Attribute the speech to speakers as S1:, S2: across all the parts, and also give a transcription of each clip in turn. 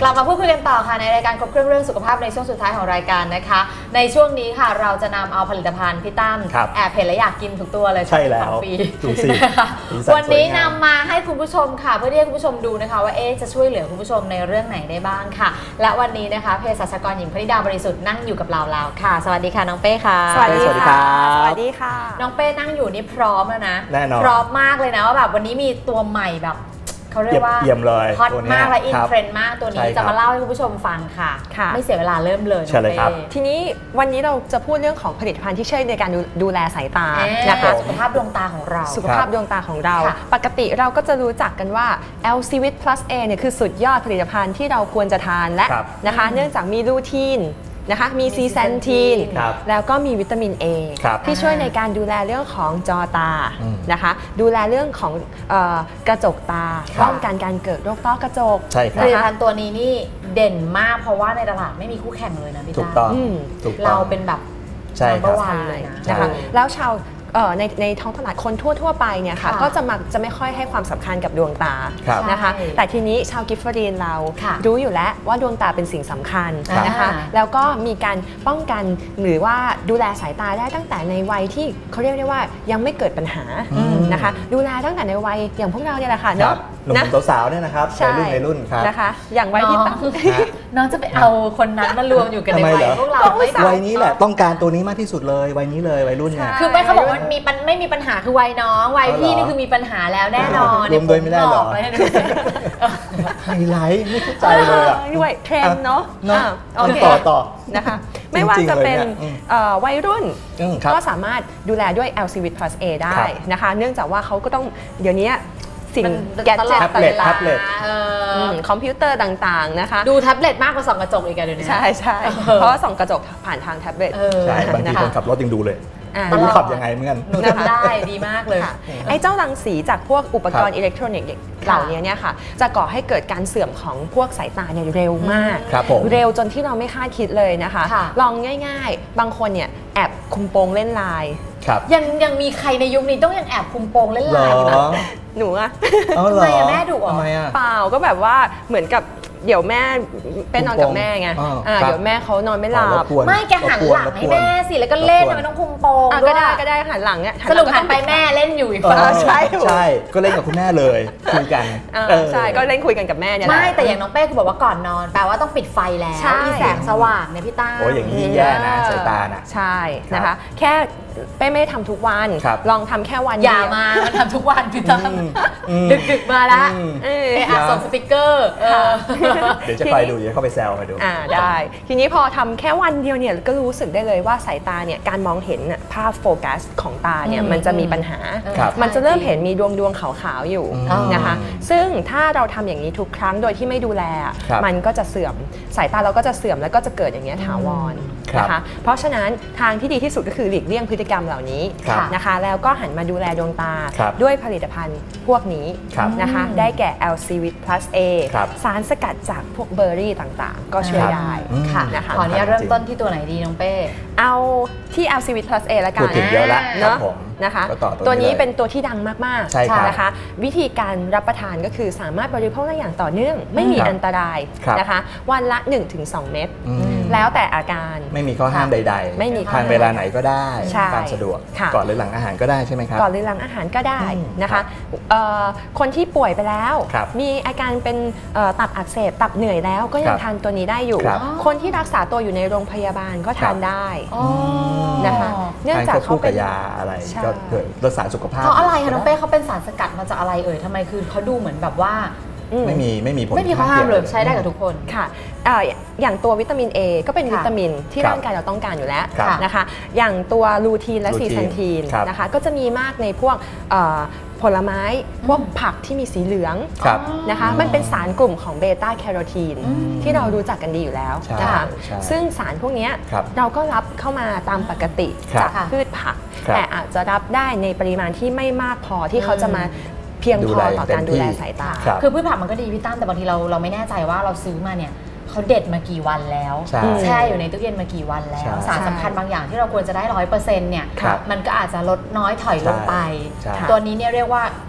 S1: ลับมาพูดคุยกันต่อค่ะในรายการครบเครื่องเรื่องสุขภาพในช่วงสุดท้ายของรายการนะคะในช่วงนี้ค่ะเราจะนำเอาผลิตภัณฑ์พี่ตั้มแอบเห็นและอยากกินทุกตัวเลย
S2: ใช่แล้วดูสิ
S1: วันนี้นำมาให้คุณผู้ชมค่ะเพื่อที่ให้คุณผู้ชมดูนะคะว่าจะช่วยเหลือคุณผู้ชมในเรื่องไหนได้บ้างค่ะและวันนี้นะคะเภสัชกรหญิงพนิดาบริสุทธิ์นั่งอยู่กับเราแล้วค่ะสวัสดีค่ะน้องเป้ค่ะ
S2: สวัสดีค่ะ
S3: สวัสดีค่ะ
S1: น้องเป้นั่งอยู่นี่พร้อมแล้วนะ
S2: แน่นอน
S1: พร้อมมากเลยนะว่าแบบวันนี้มีตัวใหม่แบบเขาเรียกว่าฮอตมากและอินเทรนด์มากตัวนี้จะมาเล่าให้คุณผู้ชมฟังค่ะไม่เสียเวลาเริ่มเลย
S3: ทีนี้วันนี้เราจะพูดเรื่องของผลิตภัณฑ์ที่ช่วยในการดูแลสายตา
S1: นะคะสุขภาพดวงตาของเรา
S3: สุขภาพดวงตาของเราปกติเราก็จะรู้จักกันว่า LCVIT Plus A เนี่ยคือสุดยอดผลิตภัณฑ์ที่เราควรจะทานและนะคะเนื่องจากมีลูทีนนะคะมีซีแซนทีนแล้วก็มีวิตามิน A ที่ช่วยในการดูแลเรื่องของจอตานะคะดูแลเรื่องของกระจกตาป้องกันการเกิดโรคต้อกระจก
S1: ผลิตภัณฑ์ตัวนี้นี่เด่นมากเพราะว่าในตลาดไม่มีคู่แข่งเลยนะพี่ตาเราเป็นแบบนัมเบอร์วันเลย
S3: นะคะแล้วชาวในท้องตลาดคนทั่วไปเนี่ยค่ะก็จะไม่ค่อยให้ความสำคัญกับดวงตานะคะแต่ทีนี้ชาวกิฟฟรีนเรารู้อยู่แล้วว่าดวงตาเป็นสิ่งสำคัญนะคะแล้วก็มีการป้องกันหรือว่าดูแลสายตาได้ตั้งแต่ในวัยที่เขาเรียกได้ว่ายังไม่เกิดปัญหานะคะดูแลตั้งแต่ในวัยอย่างพวกเราเนี่ยแหละค่ะเนาะ
S2: หนุ่มสาวเนี่ยนะครับวัยรุ่นครับ
S3: นะคะอย่างวัยที่
S1: น้องจะไปเอาคนนั้นมารวมอยู่กันในวัยพวกเรา
S2: วัยนี้แหละต้องการตัวนี้มากที่สุดเลยวัยนี้เลยวัยรุ่นเนี่ย
S1: คือไม่เขาบอกว่าไม่มีปัญหาคือวัยน้องวัยพี่นี่คือมีปัญหาแล้วแน่นอน
S2: รวมโดยไม่ได้หรอไฮไลท์ไม่เข้าใจเลยอ่ะ
S3: ด้วยเทรนด์เนาะ
S2: ต่อ
S3: นะคะไม่ว่าจะเป็นวัยรุ่นก็สามารถดูแลด้วย LCVIT Plus A ได้นะคะเนื่องจากว่าเขาก็ต้องเดี๋ยวนี้สิ่งแกดเจ็ต
S2: แท็บเล็ต
S3: คอมพิวเตอร์ต่างๆนะคะ
S1: ดูแท็บเล็ตมากกว่าส่องกระจกอีกเดี๋ยวนี้
S3: ใช่เพราะว่าส่องกระจกผ่านทางแท็บเล็ต
S2: ใช่บางทีคนขับรถยังดูเลยไม่รู้ขับยังไงเหมือนกัน
S1: ทำได้ดีมากเลย
S3: ไอ้เจ้ารังสีจากพวกอุปกรณ์อิเล็กทรอนิกส์เหล่านี้เนี่ยค่ะจะก่อให้เกิดการเสื่อมของพวกสายตาเนี่ยเร็วมากเร็วจนที่เราไม่คาดคิดเลยนะคะลองง่ายๆบางคนเนี่ยแอบคุมโปงเล่นไลน์
S1: ยังมีใครในยุคนี้ต้องยังแอบคุมโปงเล่นไลน์
S3: หนูอะ
S1: ทำไมแม่ดุอ่ะ
S3: เปล่าก็แบบว่าเหมือนกับเดี๋ยวแม่เป็นนอนกับแม่ไงเดี๋ยวแม่เขานอนไม่หลับ
S1: ไม่แกหันหลังให้แม่สิแล้วก็เล่นไม่ต้องคุมโปง
S3: ก็ได้หันหลังเนี่ย
S1: สรุปหันไปแม่เล่นอยู่อีกฝั่ง
S2: ใช่ก็เล่นกับคุณแม่เลยคุยกัน
S3: ใช่ก็เล่นคุยกันกับแม่เนี่ย
S1: ไม่แต่อย่างน้องเป้คือบอกว่าก่อนนอนแปลว่าต้องปิดไฟแล้วมีแสงสว่างเนี่ยพี่ต้า
S2: โอ้ยอย่างนี้แย่นะสายตาน่ะ
S3: ใช่นะคะแค่เป้ไม่ได้ทำทุกวันลองทำแค่วัน
S1: อย่ามามันทำทุกวันพี่ต้าดึกมาละส่งสติ๊กเกอร์
S2: เดี๋ยวจะไปดูเดี๋ยวเข้าไปแซวไปดู
S3: ได้ทีนี้พอทำแค่วันเดียวเนี่ยก็รู้สึกได้เลยว่าสายตาเนี่ยการมองเห็นภาพโฟกัสของตาเนี่ยมันจะมีปัญหามันจะเริ่มเห็นมีดวงขาวๆอยู่นะคะซึ่งถ้าเราทำอย่างนี้ทุกครั้งโดยที่ไม่ดูแลมันก็จะเสื่อมสายตาเราก็จะเสื่อมแล้วก็จะเกิดอย่างนี้ถาวรนะคะเพราะฉะนั้นทางที่ดีที่สุดก็คือหลีกเลี่ยงพฤติกรรมเหล่านี้นะคะแล้วก็หันมาดูแลดวงตาด้วยผลิตภัณฑ์พวกนี้นะคะได้แก่ LCVIT Plus A สารสกัดจากพวกเบอร์รี่ต่างๆก็ช่วยได้
S1: นะคะขออนุญาตเริ่มต้นที่ตัวไหนดีน้องเป้
S3: เอาที่ LCVIT Plus A แล้วกัน
S2: พูดถึงเยอะแล้วเนาะ
S3: นะคะตัวนี้เป็นตัวที่ดังมากๆนะคะวิธีการรับประทานก็คือสามารถบริโภคได้อย่างต่อเนื่องไม่มีอันตรายนะคะวันละ 1-2 เม็ดแล้วแต่อาการ
S2: ไม่มีข้อห้ามใดๆไม่มีทานเวลาไหนก็ได้ตามสะดวกก่อนหรือหลังอาหารก็ได้ใช่ไหมครับ
S3: ก่อนหรือหลังอาหารก็ได้นะคะคนที่ป่วยไปแล้วมีอาการเป็นตับอักเสบตับเหนื่อยแล้วก็ยังทานตัวนี้ได้อยู่คนที่รักษาตัวอยู่ในโรงพยาบาลก็ทานได้นะคะ
S2: เนื่องจากเขาเป็นยาอะไรก็เกิดรักษาสุขภาพ
S1: เพราะอะไรคะน้องเป้เขาเป็นสารสกัดมาจากอะไรทำไมคือเขาดูเหมือนแบบว่า
S2: ไม่มีผล
S1: ไม่มีข้อห้ามเลยใช้ได้กับทุกคน
S3: ค่ะอย่างตัววิตามิน A ก็เป็นวิตามินที่ร่างกายเราต้องการอยู่แล้วนะคะอย่างตัวลูทีนและซีแซนทีนนะคะก็จะมีมากในพวกผลไม้พวกผักที่มีสีเหลืองนะคะมันเป็นสารกลุ่มของเบต้าแคโรทีนที่เรารู้จักกันดีอยู่แล้วนะคะซึ่งสารพวกนี้เราก็รับเข้ามาตามปกติจากพืชผักแต่อาจจะรับได้ในปริมาณที่ไม่มากพอที่เขาจะมาเพียงพอต่อการดูแลสายตา
S1: คือพืชผักมันก็ดีพี่ตั้มแต่บางทีเราไม่แน่ใจว่าเราซื้อมาเนี่ยเขาเด็ดมากี่วันแล้วแช่อยู่ในตู้เย็นมากี่วันแล้วสารสำคัญบางอย่างที่เราควรจะได้ 100% เนี่ยมันก็อาจจะลดน้อยถอยลงไปตัวนี้เนี่ยเรียกว่า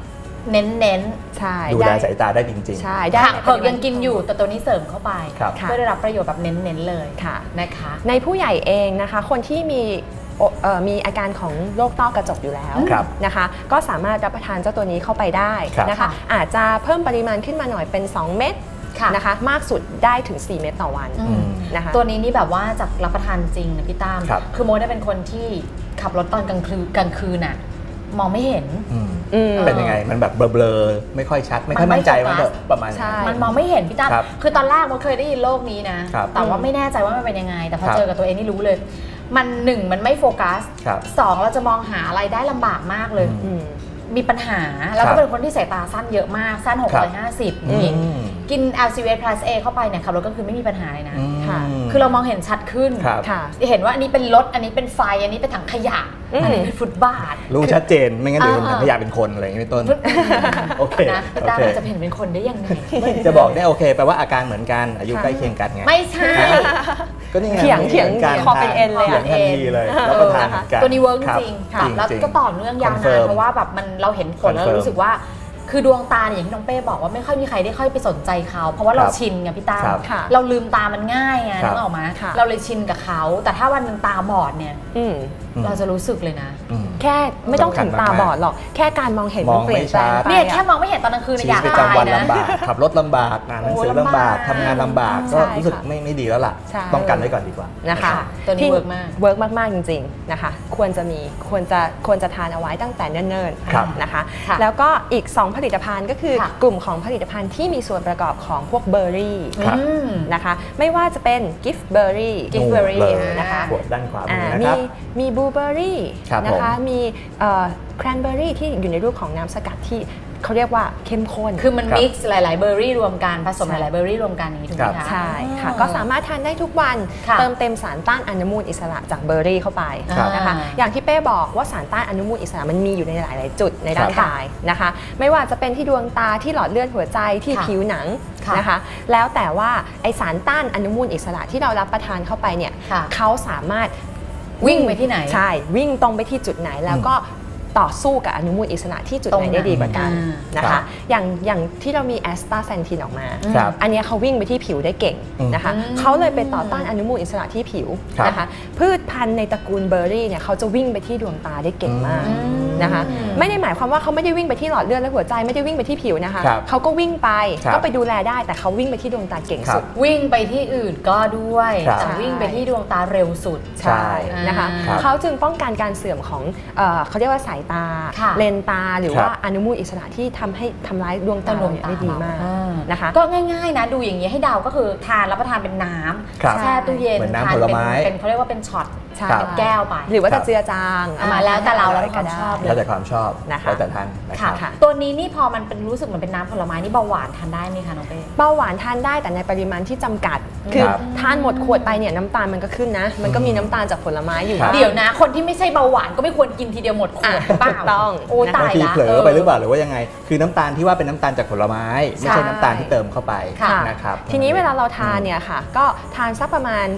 S1: เน้น
S3: ใช่
S2: ดูแลสายตาได้จริงๆ
S3: ใช่ได้
S1: เผือกยังกินอยู่แต่ตัวนี้เสริมเข้าไป
S2: เ
S1: พื่อได้รับประโยชน์แบบเน้นๆเลยนะคะ
S3: ในผู้ใหญ่เองนะคะคนที่มีอาการของโรคต้อกระจกอยู่แล้วนะคะก็สามารถรับประทานเจ้าตัวนี้เข้าไปได้นะคะอาจจะเพิ่มปริมาณขึ้นมาหน่อยเป็น2 เม็ดนะคะมากสุดได้ถึง4 เม็ดต่อวันนะคะ
S1: ตัวนี้นี่แบบว่าจากรับประทานจริงนะพี่ตั้มคือโมได้เป็นคนที่ขับรถตอนกลางคืนน่ะมองไม่เห็น
S2: เป็นยังไงมันแบบเบลอๆไม่ค่อยชัดไม่ค่อยมั่นใจว่าประมาณ
S1: มันมองไม่เห็นพี่ตั้มคือตอนแรกโมเคยได้ยินโรคนี้นะแต่ว่าไม่แน่ใจว่ามันเป็นยังไงแต่พอเจอกับตัวเองนี่รู้เลยมัน1มันไม่โฟกัส2เราจะมองหาอะไรได้ลำบากมากเลยมีปัญหาแล้วก็เป็นคนที่สายตาสั้นเยอะมากสั้น650นี่กิน LCVS Plus A เข้าไปเนี่ยขับรถก็คือไม่มีปัญหาเลยนะคือเรามองเห็นชัดขึ้นเห็นว่าอันนี้เป็นรถอันนี้เป็นไฟอันนี้เป็นถังขยะอันนี้เป็นฟุตบาท
S2: รู้ชัดเจนไม่งั้นเดี๋ยวถังขยะเป็นคนอะไรอย่างนี้เป็นต้นโอเค
S1: นะดาจะเห็นเป็นคนได้ยังไง
S2: จะบอกได้โอเคแปลว่าอาการเหมือนกันอายุใกล้เคียงกันไง
S1: ไม่ใช่
S2: ก็นี่ไง
S3: เถียงกันคอเป็นเอ็นเลย
S2: ทันทีเลยแล้วก็ทานกัน
S1: ตัวนี้เวิร์กจริงแล้วก็ต่อเนื่องยาวนานเพราะว่าแบบมันเราเห็นผลแล้วรู้สึกว่าคือดวงตาอย่างที่น้องเป้บอกว่าไม่ค่อยมีใครได้ค่อยไปสนใจเขาเพราะว่าเราชินไงพี่ตาเราลืมตามันง่ายไงนึกออกไหมเราเลยชินกับเขาแต่ถ้าวันนึงตาบอดเนี่ยเราจะรู้สึกเลยนะ
S3: แค่ไม่ต้องถึงตาบอดหรอกแค่การมองเห็นมันเปลี่ยนแปลง
S1: เนี่ยแค่มองไม่เห็นตอนกลางคืนอยากตายนะ
S2: ขับรถลำบากอ่านหนังสือลำบากทำงานลำบากก็รู้สึกไม่ดีแล้วล่ะป้องกันไว้ก่อนดีกว่า
S3: นะคะ
S1: ตัวนี้เ
S3: วิร์กมากจริงๆนะคะควรจะทานเอาไว้ตั้งแต่เนิ่นๆนะคะแล้วก็อีก2ผลิตภัณฑ์ก็คือกลุ่มของผลิตภัณฑ์ที่มีส่วนประกอบของพวกเบอร์รี่นะคะไม่ว่าจะเป็นกิฟต์เบอร์รี่นะคะ
S2: ด้านขวามือนะครับ
S3: มีบลูเบอร์รี่นะคะมีแครนเบอร์รี่ที่อยู่ในรูปของน้ำสกัดที่เขาเรียกว่าเข้มข้น
S1: คือมันมิกซ์หลายๆเบอร์รี่รวมกันผสมหลายๆเบอร์รี่รวมกันนี้ถูกไหมคะ
S3: ใช่ค่ะก็สามารถทานได้ทุกวันเติมเต็มสารต้านอนุมูลอิสระจากเบอร์รี่เข้าไปนะคะอย่างที่เป้บอกว่าสารต้านอนุมูลอิสระมันมีอยู่ในหลายๆจุดในร่างกายนะคะไม่ว่าจะเป็นที่ดวงตาที่หลอดเลือดหัวใจที่ผิวหนังนะคะแล้วแต่ว่าไอสารต้านอนุมูลอิสระที่เรารับประทานเข้าไปเนี่ยเขาสามารถ
S1: วิ่งไปที่ไหน
S3: ใช่วิ่งตรงไปที่จุดไหนแล้วก็ต่อสู้กับอนุมูลอิสระที่จุดไหนได้ดีกว่ากันนะคะอย่างที่เรามีแอสตาเซนทินออกมาอันนี้เขาวิ่งไปที่ผิวได้เก่งนะคะเขาเลยไปต่อต้านอนุมูลอิสระที่ผิวนะคะพืชพันธุ์ในตระกูลเบอร์รี่เนี่ยเขาจะวิ่งไปที่ดวงตาได้เก่งมากนะคะไม่ได้หมายความว่าเขาไม่ได้วิ่งไปที่หลอดเลือดและหัวใจไม่ได้วิ่งไปที่ผิวนะคะเขาก็วิ่งไปก็ไปดูแลได้แต่เขาวิ่งไปที่ดวงตาเก่งสุด
S1: วิ่งไปที่อื่นก็ด้วยแต่วิ่งไปที่ดวงตาเร็วสุด
S3: ใช่นะคะเขาจึงป้องกันการเสื่อมของเขาเรียกว่าสายตาเลนตาหรือว่าอนุมูลอิสระที่ทำร้ายดวงตาได้ดีมากนะคะ
S1: ก็ง่ายๆนะดูอย่างนี้ให้เดาก็คือทานรับประทานเป็นน้ำแช่ตู้เย็น
S2: ทาน
S1: เป็นเขาเรียกว่าเป็นช็อตเป็นแก้วไป
S3: หรือว่าจะเจือจาง
S1: มาแล้วแต่เราความชอบ
S2: แล้วแต่ความชอบแล้วแต่ทาน
S1: นะคะตัวนี้นี่พอมันเป็นรู้สึกเหมือนเป็นน้ำผลไม้นี่เบาหวานทานได้ไหมคะน้องเป้
S3: เบาหวานทานได้แต่ในปริมาณที่จำกัดคือทานหมดขวดไปเนี่ยน้ำตาลมันก็ขึ้นนะมันก็มีน้ำตาลจากผลไม้อยู่
S1: เดี๋ยวนะคนที่ไม่ใช่เบาหวานก็ไม่ควรกินทีเดียวหมดขวดเปล่า
S3: ต้อง
S1: โอ้ตายละ
S2: เผลอไปหรือเปล่าหรือว่ายังไงคือน้ำตาลที่ว่าเป็นน้ำตาลจากผลไม้ไม่ใช่น้ำตาลที่เติมเข้าไปนะครับ
S3: ทีนี้เวลาเราทานเนี่ยค่ะก็ทานสักประมาณ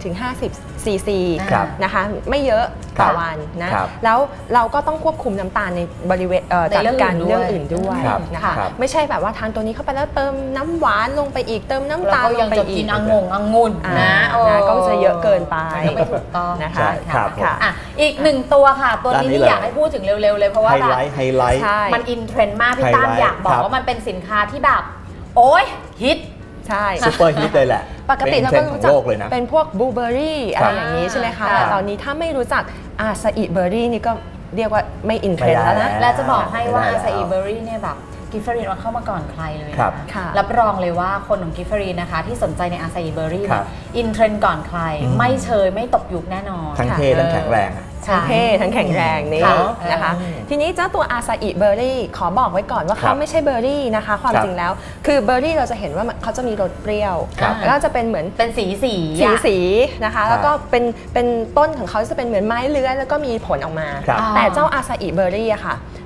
S3: 30-50 ซีซีนะคะไม่เยอะต่อวันนะแล้วเราก็ต้องควบคุมน้ำตาลในบริเวณจากการเรื่องอื่นด้วยนะคะไม่ใช่แบบว่าทานตัวนี้เข้าไปแล้วเติมน้ำหวานลงไปอีกเติมน้ำตาลลงไปอีก
S1: กินองุ่นนะ
S3: ก็จะเยอะเกินไป
S1: ไม่ถูกต้อง
S3: นะคะ
S1: อีก1ตัวค่ะตัวนี้อยากให้พูดถึงเร็วๆเลยเพราะว่าแบบ
S2: ไฮไลท์
S1: มันอินเทรนด์มากพี่ตั้มอยากบอกว่ามันเป็นสินค้าที่แบบโอ๊ยฮิต
S3: ใช่
S2: ซุปเปอร์ฮิตเลยแหละ
S3: ปกติเราก็รู้จักเป็นพวกบลูเบอร์รี่อะไรอย่างนี้ใช่ไหมคะแต่ตอนนี้ถ้าไม่รู้จักอาซาอิเบอร์รี่นี่ก็เรียกว่าไม่อินเทรนด์แล้วนะ
S1: และจะบอกให้ว่าอาซาอิเบอร์รี่เนี่ยแบบกิฟเฟอรีนเข้ามาก่อนใครเลยรับรองเลยว่าคนของกิฟเฟอรีนนะคะที่สนใจในอาซาอิเบอร์รี่อินเทรนด์ก่อนใครไม่เชยไม่ตกยุคแน่นอน
S2: ทั้งเท่ทั้งแข็งแรง
S3: ทั้งเท่ทั้งแข็งแรงนี่นะคะทีนี้เจ้าตัวอาซาอิเบอร์รี่ขอบอกไว้ก่อนว่าเขาไม่ใช่เบอร์รี่นะคะความจริงแล้วคือเบอร์รี่เราจะเห็นว่าเขาจะมีรสเปรี้ยวแล้วก็จะเป็นเหมือน
S1: เป็นสี
S3: นะคะแล้วก็เป็นต้นของเขาจะเป็นเหมือนไม้เลื้อยแล้วก็มีผลออกมาแต่เจ้าอาซาอิเบอร์รี่อะค่ะ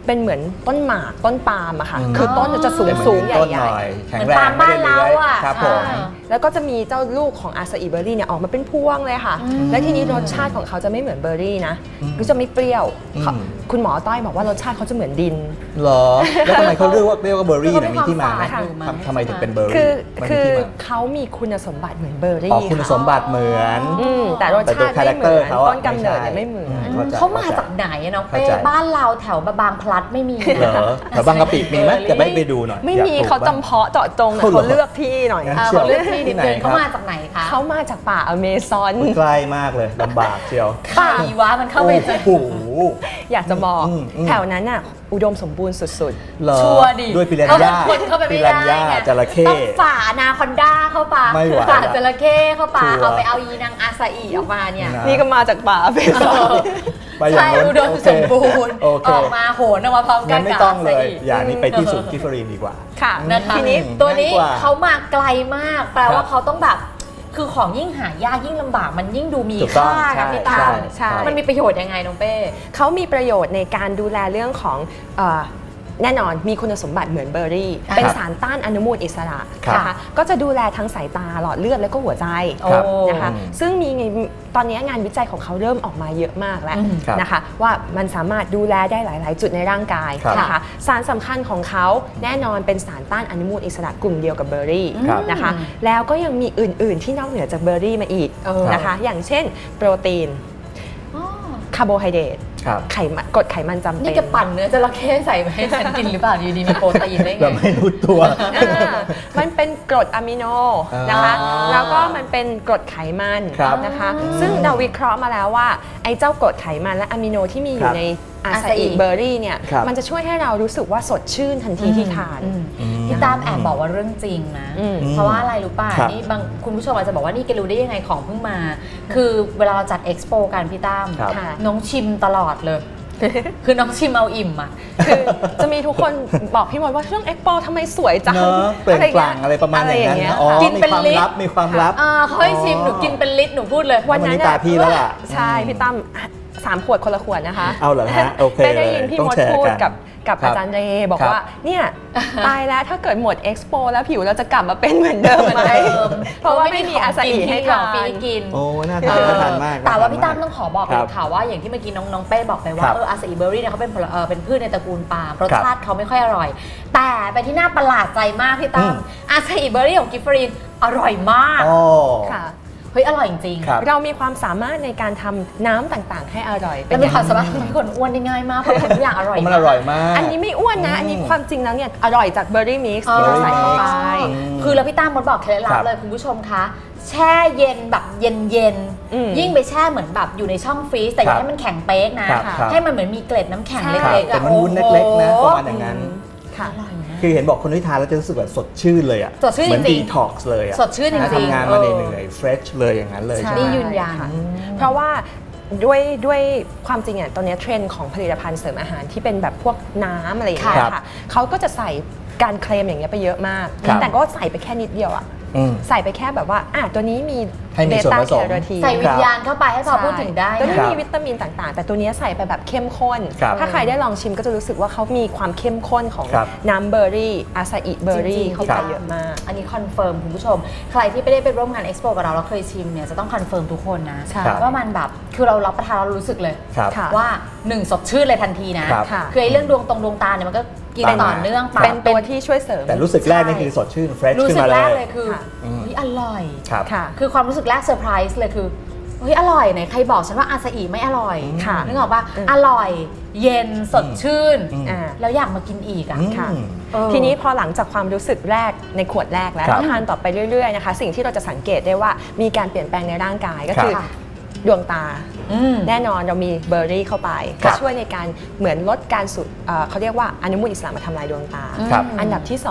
S3: เป็นเหมือนต้นหมากต้นปาล์มอะค่ะคือต้นจะสูงใหญ่
S2: ๆแข็งแรงไม่ได้เลื้อยครับผม
S3: แล้วก็จะมีเจ้าลูกของอาซาอิเบอร์รี่เนี่ยออกมาเป็นพวงเลยค่ะและทีนี้รสชาติของเขาจะไม่เหมือนเบอร์รี่นะก็จะไม่เปรี้ยวคุณหมอต้อยบอกว่ารสชาติเขาจะเหมือนดิน
S2: เหรอแล้วทำไมเขาเรียกว่าเบอร์รี่มีที่มาไหมทำไมถึงเป็นเบอร์รี่
S3: คือเขามีคุณสมบัติเหมือนเบอร์รี่
S2: คุณสมบัติเหมือน
S3: แต่รสชาติไม่เหมือนต้นกำเนิดไม่เหมือน
S1: เขามาจากไหนน้องเป้บ้านเราแถวบางพลัดไม่มี
S2: เหรอแถวบางกะปิมีไหมจะไปดูหน่อย
S3: ไม่มีเขาจำเพาะเจาะจงเขาเลือกที่หน่อย
S1: เขาเลือกที่นิดนึงเขามาจากไหนคะ
S3: เขามาจากป่าอเมซอน
S2: ใกล้มากเลยลำบากเชียว
S1: ป่าอีวะมันเข้าไปเจอ
S3: อยากจะบอกแถวนั้นน่ะอุดมสมบูรณ์สุด
S1: ๆชัวร์ดิ
S2: ด้วยปิรันย่าปิรันย่าจระเข้
S1: ต้องฝ่านาคอนด้าเข้าป่าฝ่าจระเข้เข้าป่าเอาไปเอาอีนางอาซาอิออกมาเนี่ย
S3: นี่ก็มาจากป่าอเมซอน
S1: ใช่อุดมสมบูรณ์ออกมาโหนออกมาพร้อมกัน
S2: ไม่ต้องเลยอย่างนี้ไปที่สุดกิฟเฟอรีนดีกว่า
S1: ค่ะนะคะทีนี้ตัวนี้เขามาไกลมากแปลว่าเขาต้องแบบคือของยิ่งหายากยิ่งลำบากมันยิ่งดูมีค่านะพี่ตามันมีประโยชน์ยังไงน้องเป้
S3: เขามีประโยชน์ในการดูแลเรื่องของแน่นอนมีคุณสมบัติเหมือนเบอร์รี่เป็นสารต้านอนุมูลอิสระนะคะก็จะดูแลทั้งสายตาหลอดเลือดและก็หัวใจนะคะซึ่งมีตอนนี้งานวิจัยของเขาเริ่มออกมาเยอะมากแล้วนะคะว่ามันสามารถดูแลได้หลายๆจุดในร่างกายนะคะสารสำคัญของเขาแน่นอนเป็นสารต้านอนุมูลอิสระกลุ่มเดียวกับเบอร์รี่นะคะแล้วก็ยังมีอื่นๆที่นอกเหนือจากเบอร์รี่มาอีกนะคะอย่างเช่นโปรตีนคาร์โบไฮเดรตไขมันกรดไขมันจำเป็น
S1: นี่จะปั่นเนื้อจระเข้ใส่มาให้ฉันกินหรือเปล่าดีมีโปรตีนได้ไง
S2: แบบไม่รู้ตัว
S3: มันเป็นกรดอะมิโนนะคะแล้วก็มันเป็นกรดไขมันนะคะซึ่งเราวิเคราะห์มาแล้วว่าไอ้เจ้ากรดไขมันและอะมิโนที่มีอยู่ในอาซาอิเบอร์รี่เนี่ยมันจะช่วยให้เรารู้สึกว่าสดชื่นทันทีที่ทาน
S1: พี่ตามแอบบอกว่าเรื่องจริงนะเพราะว่าอะไรรู้ป่ะนี่บางคุณผู้ชมอาจจะบอกว่านี่แกรู้ได้ยังไงของเพิ่งมาคือเวลาเราจัดเอ็กซ์โปกันพี่ตามน้องชิมตลอดเลยคือน้องชิมเอาอิ่มอ่ะ
S3: คือจะมีทุกคนบอกพี่มดว่าช่วงเอ็กซ์โปทำไมสวยจัง
S2: เปล่งปลั่งอะไรประมาณอย่างนั้นกินเป็นลิตรมีความลับ
S1: เขาให้ชิมหนูกินเป็นลิตรหนูพูดเลย
S2: วันนั้นตาพี่แล้วล่ะ
S3: ใช่พี่ตั้ม3 ขวดคนละขวดนะคะ
S2: เอาเหรอฮะโอเค
S3: ได้ยินพี่มดพูดกับอาจารย์เรบอกว่าเนี่ยตายแล้วถ้าเกิดหมดเอ็กซ์โปแล้วผิวเราจะกลับมาเป็นเหมือนเดิมไหมเพราะว่าไม่มีอาซาอิให้เรา
S1: กิน
S2: โอ้น่าทานมาก
S1: แต่ว่าพี่ตั้มต้องขอบอกเลยค่ะว่าอย่างที่เมื่อกี้น้องเป้บอกไปว่าอาซาอิเบอร์รี่เนี่ยเขาเป็นพืชในตระกูลปาล์มรสชาติเขาไม่ค่อยอร่อยแต่ไปที่น่าประหลาดใจมากพี่ตั้มอาซาอิเบอร์รี่ของกิฟฟรีนอร่อยมากค่ะเฮ้ยอร่อยจริง
S3: ๆเรามีความสามารถในการทำน้ำต่างๆให้อร่อย
S1: เป็นความสามารถทำให้คนอ้วนได้ง่ายมากเพราะทุกอย่างอร่อย
S2: มันอร่อยมาก
S3: อันนี้ไม่อ้วนนะอันนี้ความจริงแล้วเนี่ยอร่อยจากเบอร์รี่มิกซ์ที่เราใส่เข้าไป
S1: คือแล้วพี่ตั้มมดบอกเคล็ดลับเลยคุณผู้ชมคะแช่เย็นแบบเย็นยิ่งไปแช่เหมือนแบบอยู่ในช่องฟรีซแต่อย่าให้มันแข็งเป๊กนะให้มันเหมือนมีเกล็ดน้ำแข็งเล็กๆ
S2: แต่มันวุ้นเล็กๆนะประมาณอย่างนั้นคือเห็นบอกคนที่ทานแล้วจะรู้สึกแบบสดชื่นเลยอ่ะเหมือนดีท็อกซ์เลยอ่ะ
S1: สดชื่นจริงๆ
S2: ทำงานมาเหนื่อยเฟรชเลยอย่างนั้นเลย
S1: นี่ยืนยัน
S3: เพราะว่าด้วยความจริงอ่ะตอนนี้เทรนด์ของผลิตภัณฑ์เสริมอาหารที่เป็นแบบพวกน้ำอะไรอย่างเงี้ยค่ะเขาก็จะใส่การเคลมอย่างเงี้ยไปเยอะมากแต่ก็ใส่ไปแค่นิดเดียวอ่ะใส่ไปแค่แบบว่าตัวนี้มี
S2: เบต้าแคโรทีน
S1: ใส่วิญญาณเข้าไปให้พอพูดถึงได้
S3: ตัวนี้มีวิตามินต่างๆแต่ตัวนี้ใส่ไปแบบเข้มข้นถ้าใครได้ลองชิมก็จะรู้สึกว่าเขามีความเข้มข้นของน้ำเบอร์รี่อาซาอิเบอร์รี่เข้าไปเยอะมาก
S1: อันนี้คอนเฟิร์มคุณผู้ชมใครที่ไม่ได้ไปร่วมงานเอ็กซ์โปกับเราเคยชิมเนี่ยจะต้องคอนเฟิร์มทุกคนนะว่ามันแบบคือเรารับประทานเรารู้สึกเลยว่า1สดชื่นเลยทันทีนะคือไอ้เรื่องดวงตาเนี่ยมันก็กินต่อเนื่อง
S3: เป็นตัวที่ช่วยเสริม
S2: แต่รู้สึกแรกนี่คือสดชื่นเฟรชขึ้นมาเลย
S1: รู้สึกแรกเลยคืออร่อยคือความรู้สึกแรกเซอร์ไพรส์เลยคือเฮ้ยอร่อยไหนใครบอกฉันว่าอาซาอิไม่อร่อยนึกออกป่ะอร่อยเย็นสดชื่นแล้วอยากมากินอีกอ่ะ
S3: ทีนี้พอหลังจากความรู้สึกแรกในขวดแรกแล้วทานต่อไปเรื่อยๆนะคะสิ่งที่เราจะสังเกตได้ว่ามีการเปลี่ยนแปลงในร่างกายก็คือดวงตาแน่นอนเรามีเบอร์รี่เข้าไปก็ช่วยในการเหมือนลดการสูดเขาเรียกว่าอนุมูลอิสระมาทำลายดวงตาอันดับที่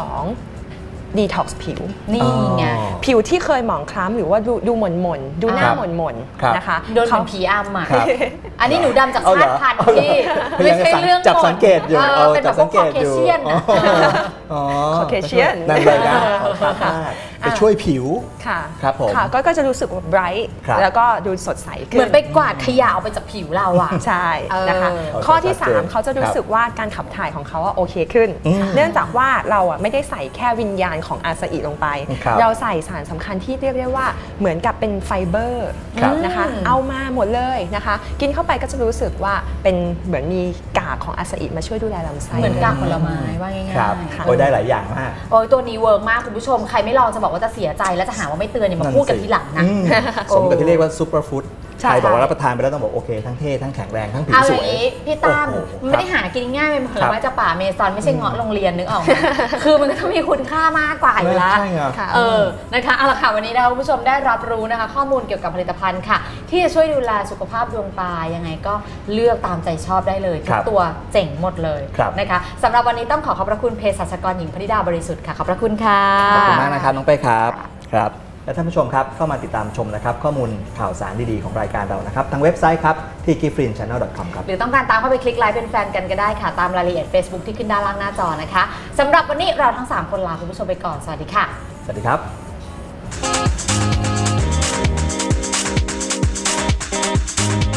S3: 2ดีท็อกซ์ผิว
S1: นี่ไง
S3: ผิวที่เคยหมองคล้ำหรือว่าดูหม่นดูหน้าหม่นนะคะ
S1: โดนผีอำอ่ะอันนี้หนูดำจากชาติพันธุ์ที่ไม่ใช่เรื่อง
S2: จับสังเกตอยู่
S1: เป็นแบบคอเคเชียน
S3: คอเคเชียน
S2: นั่นเลยนะไปช่วยผิว
S3: ค่ะ
S2: ครับผม
S3: ก็จะรู้สึกว่า bright แล้วก็ดูสดใสขึ้น
S1: เหมือนไปกวาดขยะออกไปจากผิวเราอ่ะ
S3: ใช่นะคะข้อที่3เขาจะรู้สึกว่าการขับถ่ายของเขาโอเคขึ้นเนื่องจากว่าเราไม่ได้ใส่แค่วิญญาณของอาซาอิลงไปเราใส่สารสำคัญที่เรียกได้ว่าเหมือนกับเป็นไฟเบอร์นะคะเอามาหมดเลยนะคะกินเข้าไปก็จะรู้สึกว่าเป็นเหมือนมีกากของอาซาอิมาช่วยดูแลลำไส้
S1: เหมือนกากผลไม้ว่าง่าย
S2: ๆโอ้ยได้หลายอย่างมาก
S1: โอ้ยตัวนี้เวิร์กมากคุณผู้ชมใครไม่ลองจะบอกว่าจะเสียใจและจะหาว่าไม่เตือนเนี่ยมาพูดกันทีหลังนะ
S2: สมกับที่เรียกว่าซูเปอร์ฟู้ดใครบอกว่ารับประทานไปแล้วต้องบอกโอเคทั้งเท่ทั้งแข็งแรงทั้งผิวสวย
S1: เอาอย่างนี้พี่ตั้มไม่ได้หากินง่ายเป็นผลไม้จากป่าเมซอนไม่ใช่เงาะโรงเรียนนึกออกไหมคือมันก็ต้องมีคุณค่ามากกว่าอยู่แล้วนะคะเอาละค่ะวันนี้นะคะคุณผู้ชมได้รับรู้นะคะข้อมูลเกี่ยวกับผลิตภัณฑ์ค่ะที่จะช่วยดูแลสุขภาพดวงตายังไงก็เลือกตามใจชอบได้เลยทุกตัวเจ๋งหมดเลยนะคะสำหรับวันนี้ต้องขอบพระคุณเภสัชกรหญิงพนิดาบริสุทธิ์ค่ะขอบพระคุณค่ะ
S2: ขอบคุณมากนะครับน้องเป้ครับและท่านผู้ชมครับเข้ามาติดตามชมนะครับข้อมูลข่าวสารดีๆของรายการเรานะครับทางเว็บไซต์ครับที่ giftfrinchannel.com ครับ
S1: หรือต้องการตามเข้าไปคลิกไลค์เป็นแฟนกันก็ได้ค่ะตามรายละเอียด Facebook ที่ขึ้นด้านล่างหน้าจอนะคะสำหรับวันนี้เราทั้ง3คนลาคุณผู้ชมไปก่อนสวัสดีค่ะ
S2: สวัสดีครับ